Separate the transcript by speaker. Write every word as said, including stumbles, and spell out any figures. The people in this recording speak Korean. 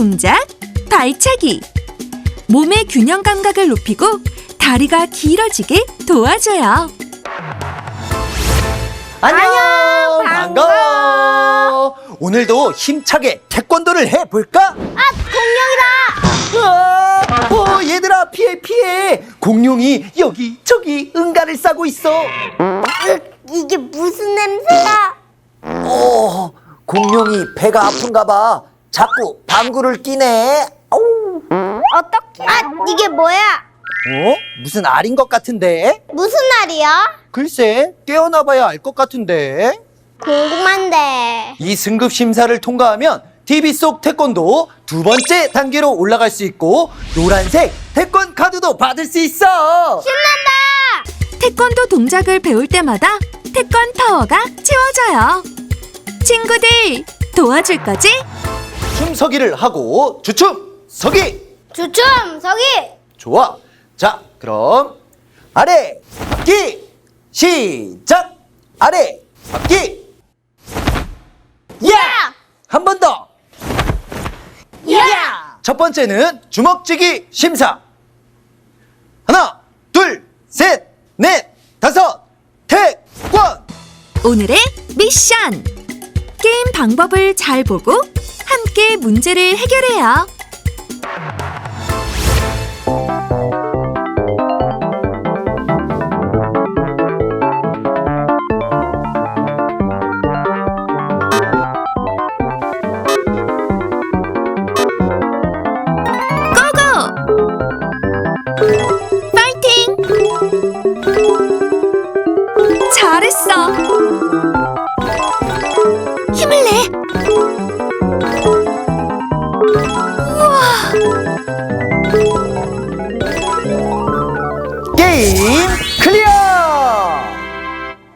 Speaker 1: 동작, 발차기. 몸의 균형 감각을 높이고 다리가 길어지게 도와줘요.
Speaker 2: 안녕, 반가워. 오늘도 힘차게 태권도를 해볼까?
Speaker 3: 아, 공룡이다!
Speaker 2: 으아, 어, 얘들아 피해 피해. 공룡이 여기 저기 응가를 싸고 있어.
Speaker 3: 으, 이게 무슨 냄새야?
Speaker 2: 어, 공룡이 배가 아픈가 봐. 자꾸 방구를 끼네. 아우.
Speaker 3: 어떻게? 아, 이게 뭐야?
Speaker 2: 어? 무슨 알인 것 같은데?
Speaker 3: 무슨 날이야?
Speaker 2: 글쎄, 깨어나봐야 알 것 같은데.
Speaker 3: 궁금한데.
Speaker 2: 이 승급 심사를 통과하면 티비 속 태권도 두 번째 단계로 올라갈 수 있고 노란색 태권 카드도 받을 수 있어.
Speaker 3: 신난다!
Speaker 1: 태권도 동작을 배울 때마다 태권 파워가 채워져요. 친구들, 도와줄 거지?
Speaker 2: 춤서기를 하고 주춤 서기.
Speaker 3: 주춤, 서기!
Speaker 2: 좋아. 자, 그럼 아래 바퀴 시작. 아래 바퀴. 야! 한 번 더.
Speaker 3: 야!
Speaker 2: 첫 번째는 주먹쥐기 심사. 하나, 둘, 셋, 넷, 다섯, 태권.
Speaker 1: 오늘의 미션! 게임 방법을 잘 보고 함께 문제를 해결해요. 파이팅! 잘했어! 힘을 내! 우와!
Speaker 2: 게임